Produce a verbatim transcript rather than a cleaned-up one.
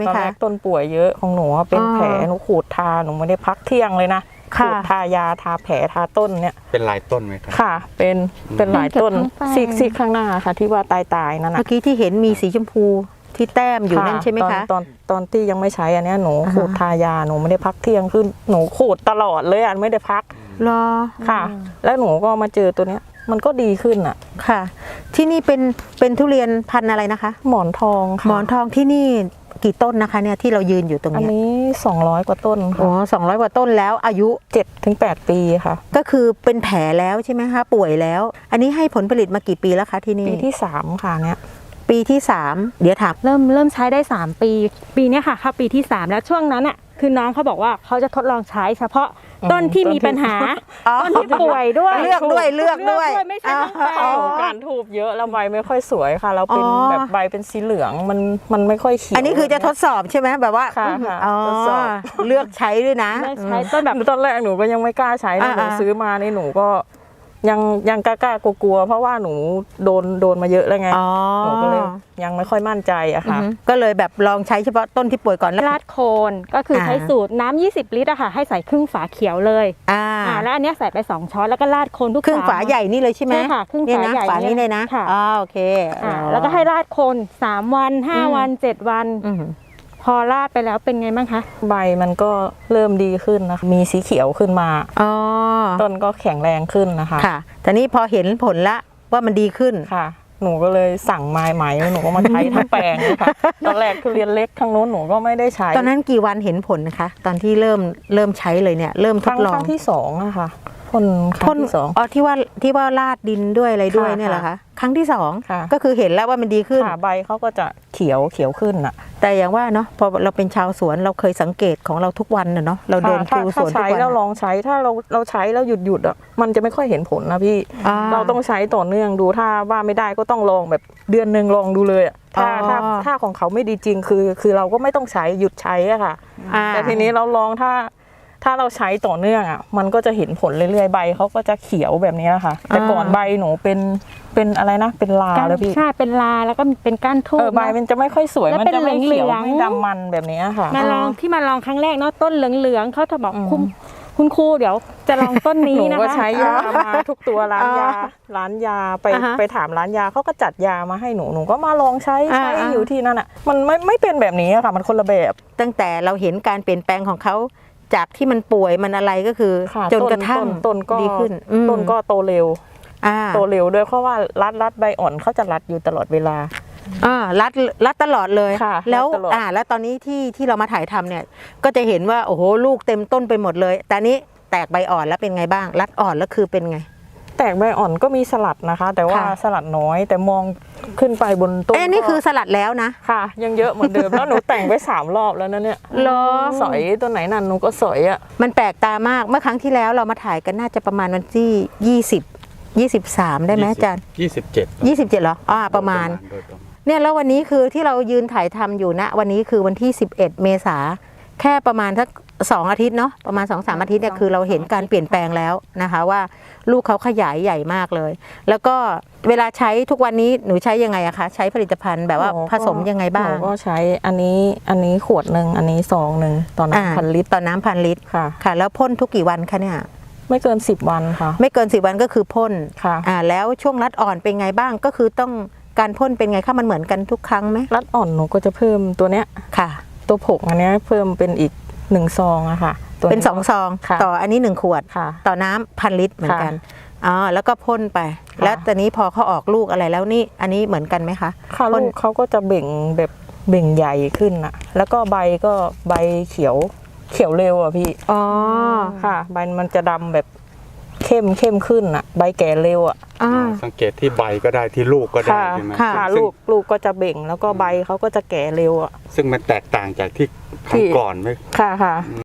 ตอนแรกต้นป่วยเยอะของหนูเป็นแผลหนูขูดทาหนูไม่ได้พักเที่ยงเลยนะขูดทายาทาแผลทาต้นเนี่ยเป็นหลายต้นไหมครับค่ะเป็นเป็นหลายต้นซีกซีกข้างหน้าค่ะที่ว่าตายตายนั่นนะเมื่อกี้ที่เห็นมีสีชมพูที่แต้มอยู่นั่นใช่ไหมคะตอนตอนที่ยังไม่ใช้อันนี้หนูขูดทายาหนูไม่ได้พักเที่ยงคือหนูขูดตลอดเลยอ่ะไม่ได้พักรอค่ะ แล้วหนูก็มาเจอตัวเนี้ยมันก็ดีขึ้นอ่ะค่ะ ที่นี่เป็นเป็นทุเรียนพันธุ์อะไรนะคะหมอนทองค่ะหมอนทองที่นี่กี่ต้นนะคะเนี่ยที่เรายืนอยู่ตรงนี้อันนี้สองร้อยกว่าต้นโอ้สองร้อยกว่าต้นแล้วอายุเจ็ดถึงแปด ปีค่ะก็คือเป็นแผลแล้วใช่ไหมคะป่วยแล้วอันนี้ให้ผลผลิตมากี่ปีแล้วคะที่นี่ปีที่สามค่ะเนี่ยปีที่สามเดี๋ยวถามเริ่มเริ่มใช้ได้สามปีปีนี้ค่ะเข้าปีที่สามแล้วช่วงนั้นอ่ะคือน้องเขาบอกว่าเขาจะทดลองใช้เฉพาะต้นที่มีปัญหาต้นที่ป่วยด้วยเลือกด้วยเลือกด้วยไม่ใช่ทั้งแปลงการทูบเยอะแล้วใบไม่ค่อยสวยค่ะเราเป็นแบบใบเป็นสีเหลืองมันมันไม่ค่อยเขียวอันนี้คือจะทดสอบใช่ไหมแบบว่าค่ะทดสอบเลือกใช้ด้วยนะใช้ต้นแบบตอนแรกหนูก็ยังไม่กล้าใช้หนูซื้อมาในหนูก็ยังยังกล้ากลัวๆเพราะว่าหนูโดนโดนมาเยอะแล้วไงหนูก็เลยยังไม่ค่อยมั่นใจอะค่ะก็เลยแบบลองใช้เฉพาะต้นที่ป่วยก่อนแล้วราดโคนก็คือใช้สูตรน้ำยี่สิบลิตรอะค่ะให้ใส่ครึ่งฝาเขียวเลยอ่าแล้วอันนี้ใส่ไปสองช้อนแล้วก็ราดโคนทุกครึ่งฝาใหญ่นี่เลยใช่ไหมใช่ค่ะครึ่งฝาใหญ่ฝานี้เลยนะค่ะอ๋อโอเคแล้วก็ให้ราดโคนสามวันห้าวันเจ็ดวันพอราดไปแล้วเป็นไงบ้างคะใบมันก็เริ่มดีขึ้นนะคะมีสีเขียวขึ้นมาอ๋อต้นก็แข็งแรงขึ้นนะคะค่ะแต่นี้พอเห็นผลละว่ามันดีขึ้นค่ะหนูก็เลยสั่งไม้ไหมหนูก็มาใช้ทั้งแปลงเลยค่ะตอนแรกคือเรียนเล็กทางโน้นหนูก็ไม่ได้ใช้ตอนนั้นกี่วันเห็นผลนะคะตอนที่เริ่มเริ่มใช้เลยเนี่ยเริ่มทดลองครั้งที่สองอะค่ะพ่นครั้งที่สองอ๋อที่ว่าที่ว่าราดดินด้วยอะไรด้วยเนี่ยเหรอคะครั้งที่สองก็คือเห็นแล้วว่ามันดีขึ้นใบเขาก็จะเขียวเขียวขึ้นอะแต่อย่างว่าเนาะพอเราเป็นชาวสวนเราเคยสังเกตของเราทุกวันเนาะเราเดินดูสวนทุกวันเราลองใช้ถ้าเราเราใช้แล้วหยุดหยุดอ่ะมันจะไม่ค่อยเห็นผลนะพี่เราต้องใช้ต่อเนื่องดูถ้าว่าไม่ได้ก็ต้องลองแบบเดือนหนึ่งลองดูเลยถ้าถ้าถ้าของเขาไม่ดีจริงคือคือเราก็ไม่ต้องใช้หยุดใช้อะค่ะแต่ทีนี้เราลองถ้าถ้าเราใช้ต่อเนื่องอ่ะมันก็จะเห็นผลเรื่อยๆใบเขาก็จะเขียวแบบนี้ค่ะแต่ก่อนใบหนูเป็นเป็นอะไรนะเป็นลาแล้วพี่ใช่เป็นลาแล้วก็เป็นก้านทูบใบมันจะไม่ค่อยสวยมันจะไม่เขียวไม่ดำมันแบบนี้ค่ะมาลองที่มาลองครั้งแรกเนาะต้นเหลืองๆเขาจะบอกคุณคุณครูเดี๋ยวจะลองต้นนี้นะคะหนูก็ใช้ยามาทุกตัวร้านยาร้านยาไปไปถามร้านยาเขาก็จัดยามาให้หนูหนูก็มาลองใช้ใช้อยู่ที่นั่นอ่ะมันไม่ไม่เป็นแบบนี้ค่ะมันคนละแบบตั้งแต่เราเห็นการเปลี่ยนแปลงของเขาจากที่มันป่วยมันอะไรก็คือจนกระทั่งต้นก็ดีขึ้นต้นก็โตเร็วโตเร็วด้วยเพราะว่ารัดรัดใบอ่อนเขาจะรัดอยู่ตลอดเวลาอ่ารัดรัดตลอดเลยแล้วอ่าแล้วตอนนี้ที่ที่เรามาถ่ายทำเนี่ยก็จะเห็นว่าโอ้โหลูกเต็มต้นไปหมดเลยแต่นี้แตกใบอ่อนแล้วเป็นไงบ้างรัดอ่อนแล้วคือเป็นไงแตกใบอ่อนก็มีสลัดนะคะแต่ว่าสลัดน้อยแต่มองขึ้นไปบนต้นเอ้นี่คือสลัดแล้วนะค่ะยังเยอะเหมือนเดิมแล้วหนูแต่งไปสามรอบแล้วนะเนี่ยเหรอสอยตัวไหนนั่นหนูก็สอยอ่ะมันแปลกตามากเมื่อครั้งที่แล้วเรามาถ่ายกันน่าจะประมาณวันที่ยี่สิบ ยี่สิบสามได้ไหมอาจารย์ยี่สิบเจ็ดยี่สิบเจ็ดเหรออ่าประมาณเนี่ยแล้ววันนี้คือที่เรายืนถ่ายทำอยู่นะวันนี้คือวันที่สิบเอ็ดเมษาแค่ประมาณสักสองอาทิตย์เนาะประมาณ สองสาม อาทิตย์เนี่ยคือเราเห็นการเปลี่ยนแปลงแล้วนะคะว่าลูกเขาขยายใหญ่มากเลยแล้วก็เวลาใช้ทุกวันนี้หนูใช้ยังไงอะคะใช้ผลิตภัณฑ์แบบว่าผสมยังไงบ้างหนูก็ใช้อันนี้อันนี้ขวดหนึ่งอันนี้ซองหนึ่งต่อน้ำพันลิตรต่อน้ำพันลิตรค่ะค่ะแล้วพ่นทุกกี่วันคะเนี่ยไม่เกินสิบวันค่ะไม่เกินสิบวันก็คือพ่นค่ะอ่าแล้วช่วงรัดอ่อนเป็นไงบ้างก็คือต้องการพ่นเป็นไงคะมันเหมือนกันทุกครั้งไหมรัดอ่อนหนูก็จะเพิ่มตัวเนี้ยค่ะตัวผงอันนี้เพิ่มเป็นอีกหนึ่งซองอะค่ะเป็นสองซองต่ออันนี้หนึ่งขวดต่อน้ำพันลิตรเหมือนกันอ๋อแล้วก็พ่นไปแล้วตอนนี้พอเขาออกลูกอะไรแล้วนี่อันนี้เหมือนกันไหมคะค่ะลูกเขาก็จะเบ่งแบบเบ่งใหญ่ขึ้นอะแล้วก็ใบก็ใบเขียวเขียวเร็วอะพี่อ๋อค่ะใบมันจะดำแบบเข้มเข้มขึ้นอะใบแก่เร็วอะสังเกตที่ใบก็ได้ที่ลูกก็ได้ใช่ไหมค่ะลูกลูกก็จะเบ่งแล้วก็ใบเขาก็จะแก่เร็วอะซึ่งมันแตกต่างจากที่ครั้งก่อนไหมค่ะค่ะ